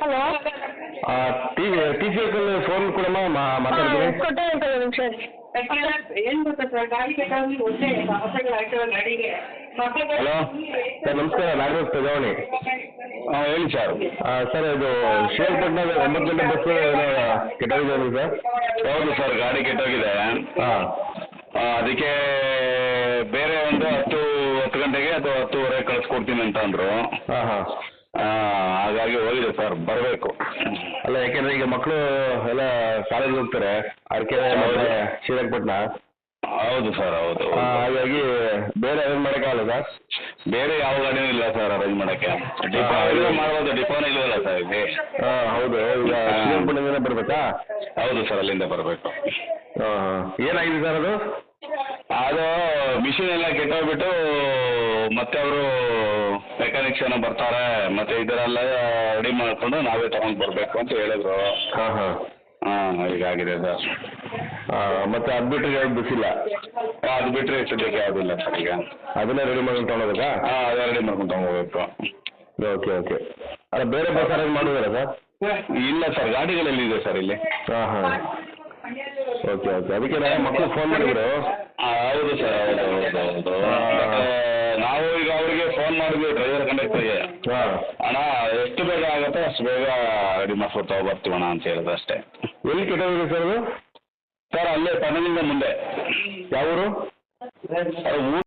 Hello T C uncle phone ಕೊಡಮ್ಮ ಮಾತಾಡ್ತೀನಿ. ಕೊಟ್ಟೆ ಅಂತ ನಿಮಿಷ. ಏನು ಗೊತ್ತಾ ಸರ್, ಗಾಡಿ ಬೇಕಾಗಿ ಒಂದೇ ಹೊಸಗಳು ಹಾಕಿರೋ ಗಾಡಿಗೆ. ಹಲೋ ಸರ್, ನಮಸ್ಕಾರ. ನಾಗರಾಜ್ ಪ್ರಜಾವಣಿ. ಹೇಳಿ ಸರ್. ಸರ್, ಇದು ಶ್ರೀರಂಗಪಟ್ಟಣದ 9 ಗಂಟೆ ಬಸ್ ಕೆಟ್ಟೋಗಿದೆ ಸರ್. ಹೌದು ಸರ್, ಗಾಡಿ ಕೆಟ್ಟೋಗಿದೆ. ಹಾಂ, ಅದಕ್ಕೆ ಬೇರೆ ಒಂದು 10 ಗಂಟೆಗೆ ಅಥವಾ 10:30 ಕಳಿಸ್ಕೊಡ್ತೀನಿ ಅಂತ ಅಂದರು. ಹಾಂ ಹಾಂ. ಹಾಗಾಗಿ ಹೋಗಿದೆ ಸರ್, ಬರಬೇಕು. ಅಲ್ಲ, ಯಾಕೆಂದ್ರೆ ಈಗ ಮಕ್ಕಳು ಎಲ್ಲ ಕಾಲೇಜ್ ಹೋಗ್ತಾರೆ, ಅರಕೆರೆ ಮತ್ತು ಶ್ರೀರಂಗಪಟ್ಟಣ. ಹೌದು ಸರ್, ಹೌದು. ಹಾಗಾಗಿ ಬೇರೆ ಅರೇಂಜ್ ಮಾಡೋಕ್ಕಾಗಲ್ಲ ಸರ್? ಬೇರೆ ಯಾವ ಗಾಡಿನೂ ಇಲ್ಲ ಸರ್ ಅರೇಂಜ್ ಮಾಡೋಕ್ಕೆ. ಡಿಪೋ ಮಾಡ್ಬೋದು, ಡಿಪೋನೇ ಇಲ್ವಲ್ಲ ಸರ್ ಇಲ್ಲಿ. ಹಾಂ, ಹೌದು. ಈಗ ಶ್ರೀರಂಗಪಟ್ಟಣದಿಂದ ಬರಬೇಕಾ? ಹೌದು ಸರ್, ಅಲ್ಲಿಂದ ಬರಬೇಕು. ಹಾಂ ಹಾಂ. ಏನಾಗಿದೆ ಸರ್ ಅದು? ಅದು ಮಿಷಿನ್ ಎಲ್ಲ ಕೆಟ್ಟೋಗ್ಬಿಟ್ಟು ಮತ್ತೆ ಅವರು ಮೆಕ್ಯಾನಿಕ್ಸ್ ಏನೋ ಬರ್ತಾರೆ, ಮತ್ತೆ ಇದರೆಲ್ಲ ರೆಡಿ ಮಾಡಿಕೊಂಡು ನಾವೇ ತಗೊಂಡು ಬರಬೇಕು ಅಂತ ಹೇಳಿದ್ರು. ಹಾಂ ಹಾಂ. ಹಾಂ, ಹೀಗಾಗಿದೆ ಸರ್. ಮತ್ತೆ ಅದು ಬಿಟ್ಟರೆ ಯಾವ್ದು ಬಿಸಿಲ್ಲ? ಅದು ಬಿಟ್ಟರೆ ಸದ್ಯಕ್ಕೆ ಯಾವುದಿಲ್ಲ ಸರ್ ಈಗ. ಅದನ್ನೇ ರೆಡಿ ಮಾಡ್ಕೊಂಡು ತೊಗೊಳೋದಾ? ಹಾಂ, ಅದೇ ರೆಡಿ ಮಾಡ್ಕೊಂಡು ತಗೋಬೇಕು. Okay okay. ಅಲ್ಲ, ಬೇರೆ ಬಸ್ ಅರೇಂಜ್ ಮಾಡಿದಾರಾ ಸರ್? ಇಲ್ಲ ಸರ್, ಗಾಡಿಗಳಲ್ಲಿದೆ ಸರ್ ಇಲ್ಲಿ. ಹಾಂ ಹಾಂ. Okay okay. ಅದಕ್ಕೆ ಮಕ್ಕಳು ಫೋನ್ ಮಾಡಿದ್ರು. ಹೌದು ಸರ್, ಹೌದು. ನಾವು ಈಗ ಅವರಿಗೆ ಫೋನ್ ಮಾಡಿದ್ವಿ, ಡ್ರೈವರ್ ಕಂಡಕ್ಟರ್ಗೆ. ಹಾಂ. ಅಣ್ಣ, ಎಷ್ಟು ಬೇಗ ಆಗುತ್ತೋ ಅಷ್ಟು ಬೇಗ ರೆಡಿ ಮಾಡ್ಕೊಂಡು ತಗೊಬರ್ತೀವಣ್ಣ ಅಂತ ಹೇಳಿದ್ರು ಅಷ್ಟೇ. ಎಲ್ಲಿ ಕೆಟ್ಟೋಗಿದೆ ಸರ್ ಅದು? ಸರ್, ಅಲ್ಲೇ ಪಣದಿಂದ ಮುಂದೆ. ಯಾವ ಊರು? ಅದು